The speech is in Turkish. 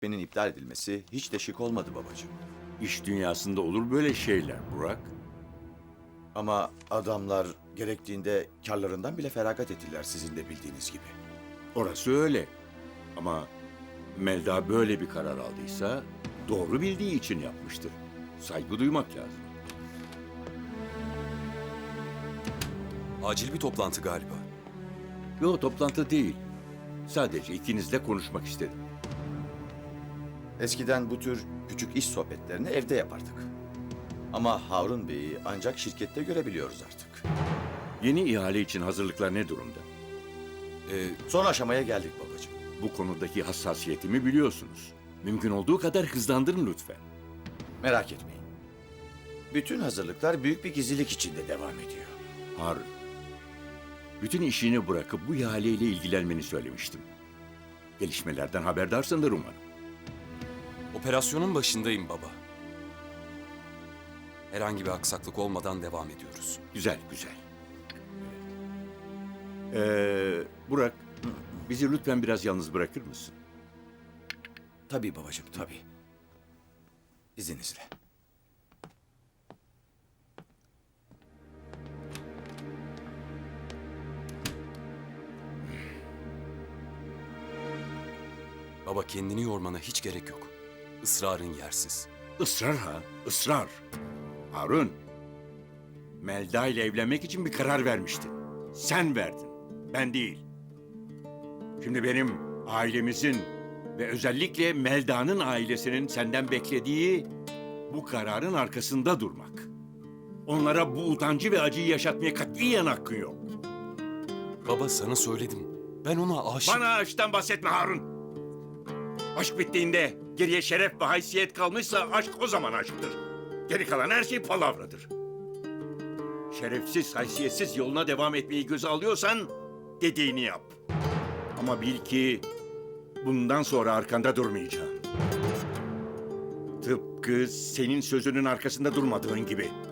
Benim iptal edilmesi hiç de şık olmadı babacığım. İş dünyasında olur böyle şeyler Burak. Ama adamlar gerektiğinde karlarından bile feragat ettiler sizin de bildiğiniz gibi. Orası öyle. Ama Melda böyle bir karar aldıysa doğru bildiği için yapmıştır. Saygı duymak lazım. Acil bir toplantı galiba. Yo, toplantı değil. Sadece ikinizle konuşmak istedim. Eskiden bu tür küçük iş sohbetlerini evde yapardık. Ama Harun Bey'i ancak şirkette görebiliyoruz artık. Yeni ihale için hazırlıklar ne durumda? Son aşamaya geldik babacığım. Bu konudaki hassasiyetimi biliyorsunuz. Mümkün olduğu kadar hızlandırın lütfen. Merak etmeyin. Bütün hazırlıklar büyük bir gizlilik içinde devam ediyor. Harun, bütün işini bırakıp bu ihaleyle ilgilenmeni söylemiştim. Gelişmelerden haberdarsındır umarım. Operasyonun başındayım baba. Herhangi bir aksaklık olmadan devam ediyoruz. Güzel, güzel. Burak, bizi lütfen biraz yalnız bırakır mısın? Tabii babacığım, tabii. İzninizle. Baba kendini yormana hiç gerek yok. Israrın yersiz. Israr ha, ısrar. Harun, Melda ile evlenmek için bir karar vermiştin. Sen verdin, ben değil. Şimdi benim ailemizin ve özellikle Melda'nın ailesinin senden beklediği bu kararın arkasında durmak. Onlara bu utancı ve acıyı yaşatmaya katiyen hakkın yok. Baba sana söyledim. Ben ona aşık... Bana aşktan bahsetme Harun. Aşk bittiğinde geriye şeref ve haysiyet kalmışsa aşk o zaman aşktır. Geri kalan her şey palavradır. Şerefsiz, haysiyetsiz yoluna devam etmeyi göze alıyorsan dediğini yap. Ama bil ki bundan sonra arkanda durmayacağım. Tıpkı senin sözünün arkasında durmadığın gibi.